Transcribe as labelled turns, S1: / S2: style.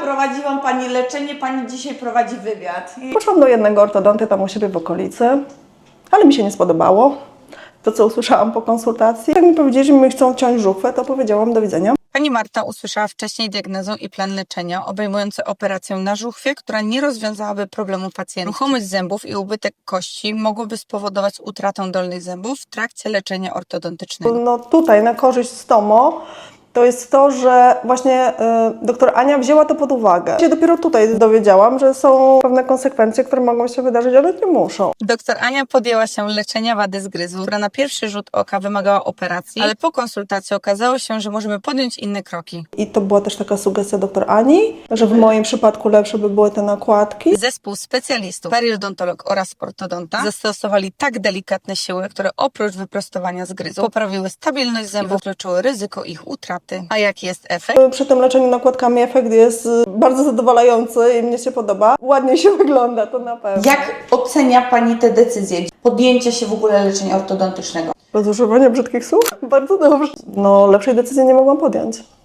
S1: prowadziłam Pani leczenie, Pani dzisiaj prowadzi wywiad.
S2: Poszłam do jednego ortodonty tam u siebie w okolicy, ale mi się nie spodobało. To, co usłyszałam po konsultacji. Jak mi powiedzieli, że mi chcą ciąć żuchwę, to powiedziałam do widzenia.
S3: Pani Marta usłyszała wcześniej diagnozę i plan leczenia obejmujący operację na żuchwie, która nie rozwiązałaby problemu pacjenta. Ruchomość zębów i ubytek kości mogłoby spowodować utratę dolnych zębów w trakcie leczenia ortodontycznego.
S2: No tutaj na korzyść Stomo to jest to, że właśnie doktor Ania wzięła to pod uwagę. Ja dopiero tutaj dowiedziałam, że są pewne konsekwencje, które mogą się wydarzyć, ale nie muszą.
S3: Doktor Ania podjęła się leczenia wady zgryzu, która na pierwszy rzut oka wymagała operacji, ale po konsultacji okazało się, że możemy podjąć inne kroki.
S2: I to była też taka sugestia doktor Ani, że w moim przypadku lepsze by były te nakładki.
S3: Zespół specjalistów, periodontolog oraz ortodonta zastosowali tak delikatne siły, które oprócz wyprostowania zgryzu poprawiły stabilność zębów i wykluczyły ryzyko ich utraty. A jaki jest efekt?
S2: Przy tym leczeniu nakładkami efekt jest bardzo zadowalający i mnie się podoba. Ładnie się wygląda, to na pewno.
S1: Jak ocenia Pani te decyzje? Podjęcia się w ogóle leczenia ortodontycznego?
S2: Bez używania brzydkich słów? Bardzo dobrze. No lepszej decyzji nie mogłam podjąć.